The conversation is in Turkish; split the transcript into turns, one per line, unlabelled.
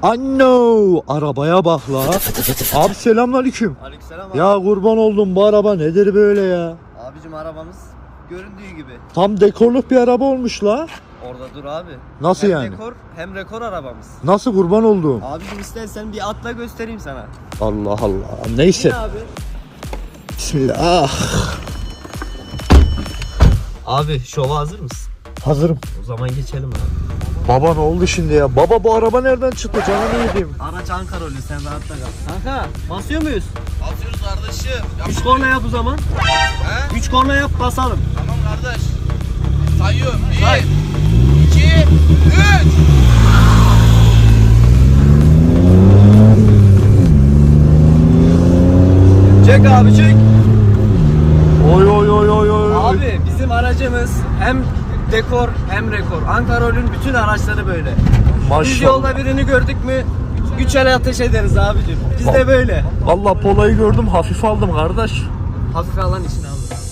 Anno, arabaya bak la. Abi selamünaleyküm.
Aleykümselam abi.
Ya kurban oldum, bu araba nedir böyle ya?
Abicim arabamız göründüğü gibi.
Tam dekorluk bir araba olmuş la.
Orada dur abi.
Nasıl
hem
yani?
Dekor, hem rekor arabamız.
Nasıl kurban oldum?
Abicim istersen bir atla göstereyim sana.
Allah Allah. Neyse.
Ne abi?
Bismillah.
Abi şova hazır mısın?
Hazırım.
O zaman geçelim abi.
Baba ne oldu şimdi ya? Baba bu araba nereden çıktı? Canını yediğim.
Araç Ankara oluyor, sen rahatla kal. Kanka basıyor muyuz?
Basıyoruz kardeşim.
3 korna yap o zaman.
He?
3 korna yap basalım.
Tamam kardeş. Sayıyorum. 1,
Say.
2, 3.
Çek abi çek.
Oy oy oy oy oy.
Abi bizim aracımız hem dekor hem rekor. Ankara'nın bütün araçları böyle. Biz
Maşallah.
yolda birini gördük mü 3 el ateş ederiz abicim. Biz de böyle.
Vallahi Pola'yı gördüm, hafif aldım kardeş.
Hafif alan için abi.